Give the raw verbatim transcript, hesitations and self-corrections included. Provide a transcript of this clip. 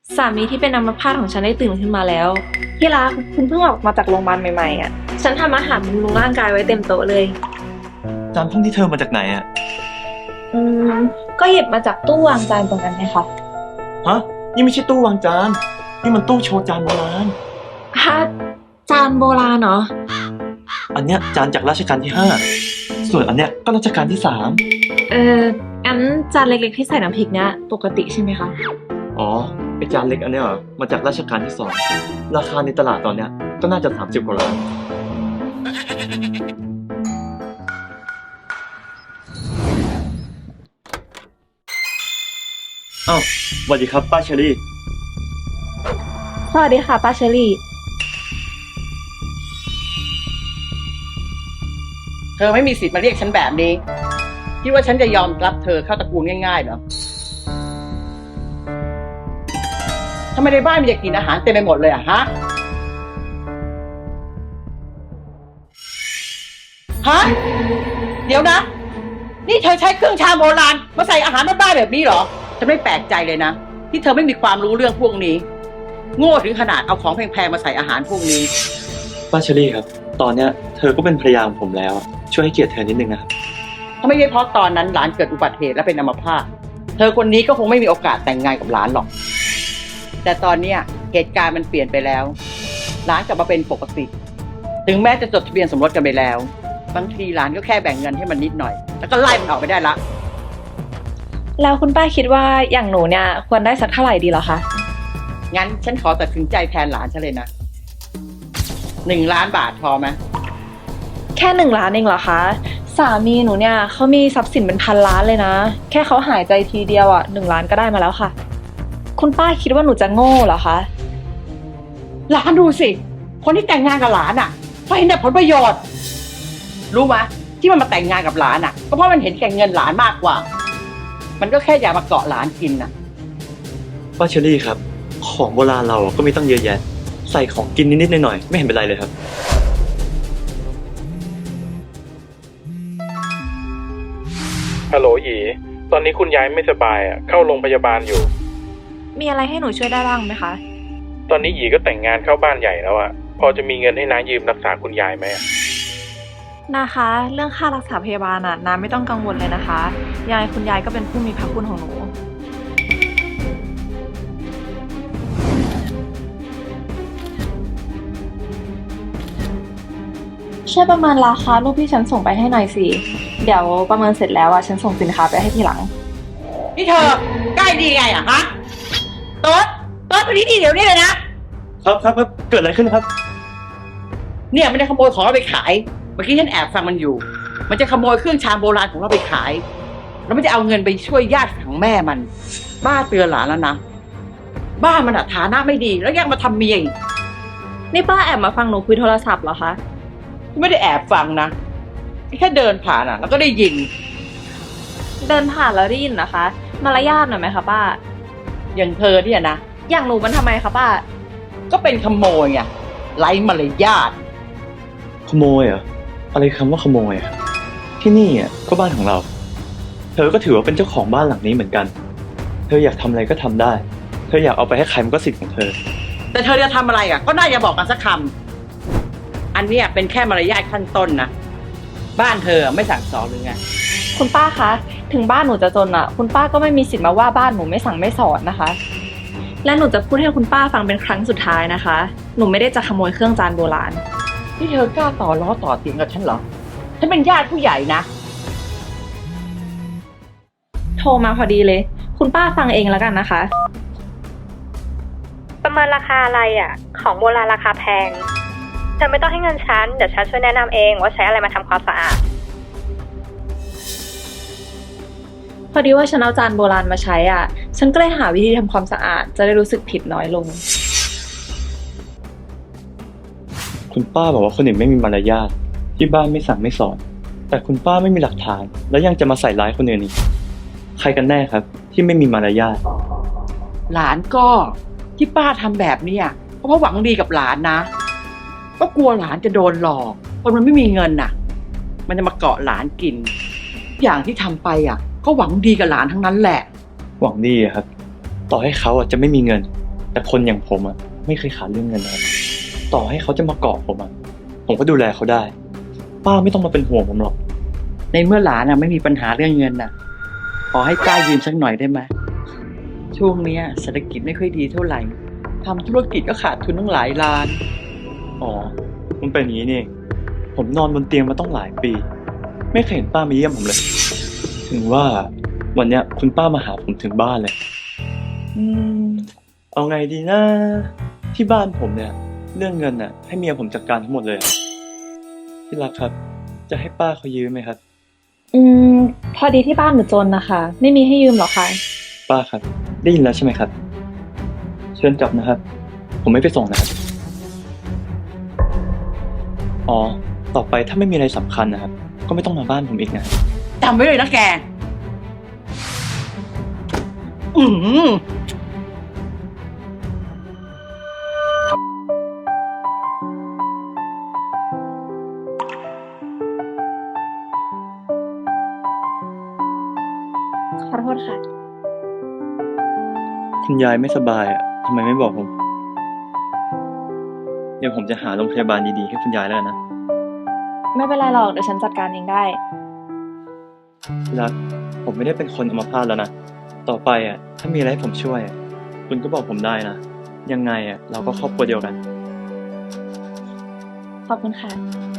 สามีที่เป็นอัมพาตของฉันได้ตื่นขึ้นมาแล้วที่รักคุณเพิ่งออกมาจากโรงพยาบาลใหม่ๆอ่ะฉันทำอาหารบำรุงร่างกายไว้เต็มโต๊ะเลยจานพวกที่เธอมาจากไหนอ่ะอืมก็หยิบมาจากตู้วางจานตรงนั้นไงคะฮะนี่ไม่ใช่ตู้วางจานนี่มันตู้โชว์จานโบราณฮะจานโบราณเหรออันเนี้ยจานจากรัชกาลที่ห้าส่วนอันเนี้ยก็รัชกาลที่สามเอองั้นจานเล็กๆที่ใส่น้ำพริกเนี้ยปกติใช่ไหมคะอ๋อไอจานเล็กอันเนี้ยเหรอมาจากรัชกาลที่สองราคาในตลาดตอนเนี้ยก็น่าจะสามสิบกว่าล้านอ้าวสวัสดีครับป้าเชอรี่สวัสดีค่ะป้าเชอรี่เธอไม่มีสิทธิ์มาเรียกฉันแบบนี้คิดว่าฉันจะยอมรับเธอเข้าตระกูลง่ายๆเหรอทำไมในบ้านมีแต่กลิ่นอาหารเต็มไปหมดเลยอะฮะฮะเดี๋ยวนะนี่เธอใช้เครื่องชามโบราณมาใส่อาหารบ้านๆแบบนี้เหรอฉันไม่แปลกใจเลยนะที่เธอไม่มีความรู้เรื่องพวกนี้โง่ถึงขนาดเอาของแพงๆมาใส่อาหารพวกนี้ป้าเชอรี่ครับตอนเนี้ยเธอก็เป็นภรรยาของผมแล้วช่วยให้เกียรติเธอนิดนึงนะครับถ้าไม่ใช่เพราะตอนนั้นหลานเกิดอุบัติเหตุและเป็นอัมพาตเธอคนนี้ก็คงไม่มีโอกาสแต่งงานกับหลานหรอกแต่ตอนเนี้ยเหตุการณ์มันเปลี่ยนไปแล้วหลานกลับมาเป็นปกติถึงแม้จะจดทะเบียนสมรสกันไปแล้วบางทีหลานก็แค่แบ่งเงินให้มันนิดหน่อยแล้วก็ไล่มันออกไปได้ละแล้วคุณป้าคิดว่าอย่างหนูเนี่ยควรได้สักเท่าไหร่ดีเหรอคะงั้นฉันขอตัดสินใจแทนหลานฉันเลยนะหนึ่งล้านบาทพอไหมแค่หนึ่งล้านเองเหรอคะสามีหนูเนี่ยเขามีทรัพย์สินเป็นพันล้านเลยนะแค่เขาหายใจทีเดียวอ่ะหนึ่งล้านก็ได้มาแล้วค่ะคุณป้าคิดว่าหนูจะโง่เหรอคะหลานดูสิคนที่แต่งงานกับหลานอ่ะเพราะเห็นแต่ผลประโยชน์รู้ไหมที่มันมาแต่งงานกับหลานอ่ะก็เพราะมันเห็นแก่เงินหลานมากกว่ามันก็แค่อยากมาเกาะหลานกินน่ะป้าเชอรี่ครับของโบราณเราก็มีตั้งเยอะแยะใส่ของกินนิดๆหน่อยๆไม่เห็นเป็นไรเลยครับฮัลโหลหยีตอนนี้คุณยายไม่สบายอ่ะเข้าโรงพยาบาลอยู่มีอะไรให้หนูช่วยได้บ้างไหมคะตอนนี้หยีก็แต่งงานเข้าบ้านใหญ่แล้วอ่ะพอจะมีเงินให้น้ายืมรักษาคุณยายไหมนะคะเรื่องค่ารักษาพยาบาลน่ะน้าไม่ต้องกังวลเลยนะคะยายคุณยายก็เป็นผู้มีพระคุณของหนูช่วยประเมินราคารูปที่ฉันส่งไปให้หน่อยสิเดี๋ยวประเมินเสร็จแล้วอ่ะฉันส่งสินค้าไปให้ทีหลังนี่เธอใกล้ดีไงอ่ะฮะโต๊ดโต๊ดไปนี่ดีเดี๋ยวนี้เลยนะครับครับครับเกิดอะไรขึ้นครับเนี่ยมันจะขโมยของเราไปขายเมื่อกี้ฉันแอบฟังมันอยู่มันจะขโมยเครื่องชามโบราณของเราไปขายแล้วมันจะเอาเงินไปช่วยญาติของแม่มันบ้าเตือนหลานแล้วนะบ้านมันฐานะไม่ดีแล้วยังมาทำเมียอีกนี่ป้าแอบมาฟังหนูคุยโทรศัพท์เหรอคะไม่ได้แอบฟังนะแค่เดินผ่านอ่ะแล้วก็ได้ยินเดินผ่านแล้วได้ยินนะคะมารยาทหน่อยไหมคะป้าอย่างเธอเนี่ยนะอย่างหนูมันทำไมคะป้าก็เป็นขโมยไงไร้มารยาทขโมยเหรออะไรคำว่าขโมยอ่ะที่นี่อ่ะก็บ้านของเราเธอก็ถือว่าเป็นเจ้าของบ้านหลังนี้เหมือนกันเธออยากทำอะไรก็ทำได้เธออยากเอาไปให้ใครมันก็สิทธิ์ของเธอแต่เธอจะทำอะไรอ่ะก็น่าจะบอกกันสักคำอันนี้เป็นแค่มารยาทขั้นต้นนะบ้านเธอไม่สั่งสอนหรือไงคุณป้าคะถึงบ้านหนูจะจนอ่ะคุณป้าก็ไม่มีสิทธิ์มาว่าบ้านหนูไม่สั่งไม่สอนนะคะและหนูจะพูดให้คุณป้าฟังเป็นครั้งสุดท้ายนะคะหนูไม่ได้จะขโมยเครื่องจานโบราณที่เธอกล้าต่อล้อต่อเสียงกับฉันเหรอฉันเป็นญาติผู้ใหญ่นะโทรมาพอดีเลยคุณป้าฟังเองแล้วกันนะคะประเมินราคาอะไรอ่ะของโบราณราคาแพงเธอไม่ต้องให้เงินฉันเดี๋ยวฉันช่วยแนะนำเองว่าใช้อะไรมาทำความสะอาดพอดีว่าฉันเอาจานโบราณมาใช้อ่ะฉันก็เลยหาวิธีทำความสะอาดจะได้รู้สึกผิดน้อยลงคุณป้าบอกว่าคนอื่นไม่มีมารยาทที่บ้านไม่สั่งไม่สอนแต่คุณป้าไม่มีหลักฐานแล้วยังจะมาใส่ร้ายคนอื่นอีกใครกันแน่ครับที่ไม่มีมารยาทหลานก็ที่ป้าทำแบบนี้เพราะว่าหวังดีกับหลานนะก็กลัวหลานจะโดนหลอกคนมันไม่มีเงินน่ะมันจะมาเกาะหลานกินอย่างที่ทำไปอ่ะก็หวังดีกับหลานทั้งนั้นแหละหวังดีครับต่อให้เขาอ่ะจะไม่มีเงินแต่คนอย่างผมอ่ะไม่เคยขาดเรื่องเงินนะครับต่อให้เขาจะมาเกาะผมอ่ะผมก็ดูแลเขาได้ ป้าไม่ต้องมาเป็นห่วงผมหรอกในเมื่อหลานน่ะไม่มีปัญหาเรื่องเงินน่ะ ขอให้ป้ายืมสักหน่อยได้ไหมช่วงเนี้ยเศรษฐกิจไม่ค่อยดีเท่าไหร่ทำธุรกิจก็ขาดทุนตั้งหลายล้านอ๋อ มันเป็นอย่างนี้นี่เองผมนอนบนเตียงมาต้องหลายปี ไม่เคยเห็นป้ามาเยี่ยมผมเลย ถึงว่าวันเนี้ยคุณป้ามาหาผมถึงบ้านเลย อืม เอาไงดีนะ ที่บ้านผมเนี่ย เรื่องเงินน่ะ ให้เมียผมจัดการทั้งหมดเลยอะที่รักครับ จะให้ป้าเขายืมไหมครับอืม พอดีที่บ้านหนูจนนะคะ ไม่มีให้ยืมหรอกค่ะป้าครับ ได้ยินแล้วใช่ไหมครับ เชิญกลับนะครับ ผมไม่ไปส่งนะครับ อ๋อ ต่อไปถ้าไม่มีอะไรสำคัญนะครับ ก็ไม่ต้องมาบ้านผมอีกนะจำไว้เลยนะแก อืมขอโทษค่ะคุณยายไม่สบายอ่ะทำไมไม่บอกผม เดี๋ยวผมจะหาโรงพยาบาลดีๆให้คุณยายแล้วกันนะไม่เป็นไรหรอกเดี๋ยวฉันจัดการเองได้ที่รัก ผมไม่ได้เป็นคนอัมพาตแล้วนะ ต่อไปอ่ะ ถ้ามีอะไรให้ผมช่วยอะคุณก็บอกผมได้นะ ยังไงอ่ะ เราก็ครอบครัวเดียวกันขอบคุณค่ะ